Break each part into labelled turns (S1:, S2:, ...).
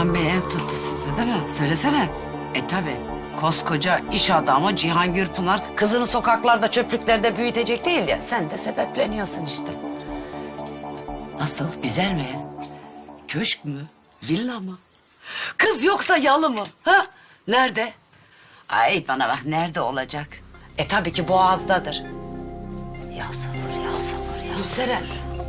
S1: Cihan Bey ev tuttu size değil mi? Söylesene. Tabi. Koskoca iş adamı Cihan Gürpınar kızını sokaklarda çöplüklerde büyütecek değil ya. Sen de sebepleniyorsun işte. Nasıl? Güzel mi ev? Köşk mü? Villa mı? Kız yoksa yalı mı? Ha? Nerede? Ay bana bak nerede olacak? Tabii ki Boğaz'dadır. Ya sabır ya sabır ya. Gülseren.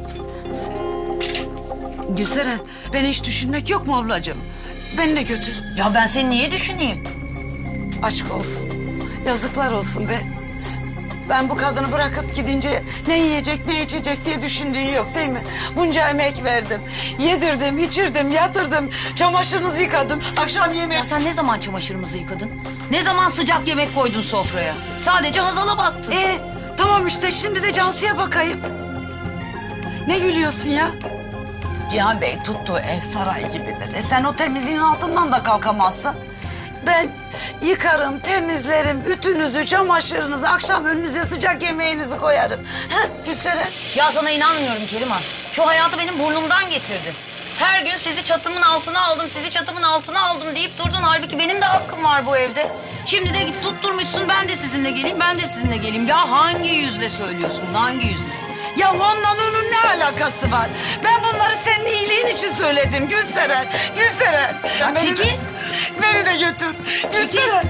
S1: Gülseren, beni hiç düşünmek yok mu ablacığım? Beni de götür.
S2: Ya ben seni niye düşüneyim?
S1: Aşk olsun. Yazıklar olsun be. Ben bu kadını bırakıp gidince ne yiyecek ne içecek diye düşündüğün yok değil mi? Bunca emek verdim. Yedirdim, içirdim, yatırdım. Çamaşırınızı yıkadım. Akşam yemeği...
S2: Ya sen ne zaman çamaşırımızı yıkadın? Ne zaman sıcak yemek koydun sofraya? Sadece Hazal'a baktın.
S1: Tamam işte şimdi de Cansu'ya bakayım. Ne gülüyorsun ya? Cihan Bey tuttuğu ev saray gibidir. Sen o temizliğin altından da kalkamazsın. Ben yıkarım, temizlerim, ütünüzü, çamaşırınızı, akşam önünüze sıcak yemeğinizi koyarım. Gülseren.
S2: Ya sana inanmıyorum Keriman. Şu hayatı benim burnumdan getirdin. Her gün sizi çatımın altına aldım, sizi çatımın altına aldım deyip durdun. Halbuki benim de hakkım var bu evde. Şimdi de git tutturmuşsun ben de sizinle geleyim, ben de sizinle geleyim. Ya hangi yüzle söylüyorsun bunu, hangi yüzle?
S1: Ya onunla onun ne alakası var? Ben bunları senin iyiliğin için söyledim Gülseren. Gülseren.
S2: Ya çekil.
S1: Beni de götür. Gülseren.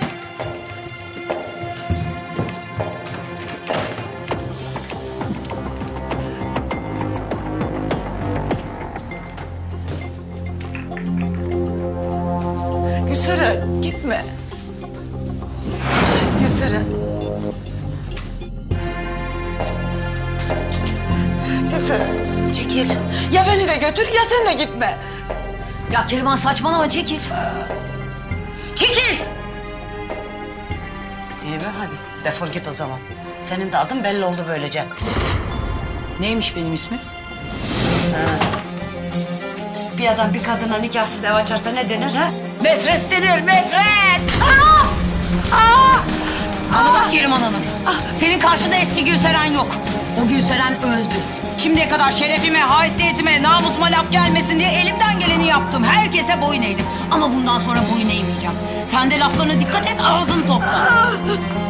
S1: Gülseren gitme. Gülseren. Gülseren.
S2: Çekil.
S1: Ya beni de götür ya sen de gitme.
S2: Ya Keriman saçmalama, çekil. Çekil.
S1: İyi be hadi defol git o zaman. Senin de adın belli oldu böylece.
S2: Neymiş benim ismim?
S1: Bir adam bir kadına nikahsız ev açarsa ne denir ha?
S2: Metres denir, metres. Bana bak Keriman Hanım. Senin karşında eski Gülseren yok. O Gülseren öldü. Şimdiye kadar şerefime, haysiyetime, namusuma laf gelmesin diye elimden geleni yaptım. Herkese boyun eğdim. Ama bundan sonra boyun eğmeyeceğim. Sen de laflarına dikkat et, ağzını topla.